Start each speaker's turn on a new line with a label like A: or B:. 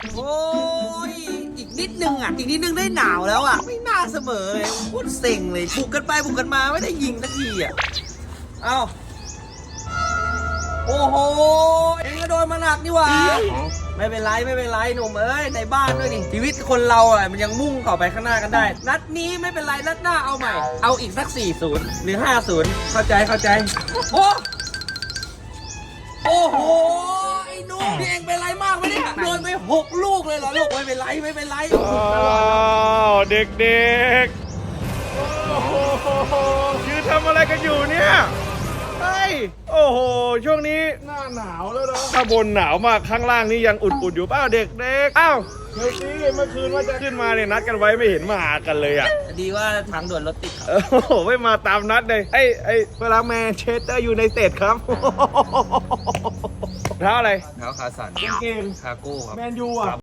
A: โอ้ยอีกนิดนึงอีกนิดนึงได้หนาวแล้วไม่น่าเสมอเลยโคตรเซ็งเลยบุกกันไปบุกกันมาไม่ได้ยิงสักทีเอ้าโอ้โหเองก็โดนมาหนักนี่หว่าไม่เป็นไรไม่เป็นไรหนุ่มเอ้ยในบ้านด้วยนี่ชีวิตคนเรามันยังมุ่งต่อไปข้างหน้ากันได้ นัดนี้ไม่เป็นไรนัดหน้าเอาใหม่เอาอีกสัก 4-0 หรือ 5-0 เข้าใจโอ้โหไอ้นุ่มนี่เองเป็นไรมากไหมเนี่ยโดนไป6 ลูกเลยเหรอลูกไม่เป็นไร
B: อ้าวเด็กๆโอ้โหยืนทำอะไรกันอยู่เนี่ยเฮ้ยโอ้โหช่วงนี้หน้าหนาวแล้วนะข้างบนหนาวมากข้างล่างนี่ยังอุ่นๆอยู่เปล่าเด็กๆอ้าวเฮ้ยเมื่อคืนว่าจะขึ้นมาเนี่ยนัดกันไว้ไม่เห็นมาหากันเลย
A: ดีว่าทางด่วนรถติดครับ
B: โอ้โหไม่มาตามนัดเลยไอ้เวลาแมนเชสเตอร์อยู่ในเตดครับเท้าอะไร
A: เท้าคาสัน
B: เก่ง
A: คาโก้ครับ
B: แมนยูอ่ะ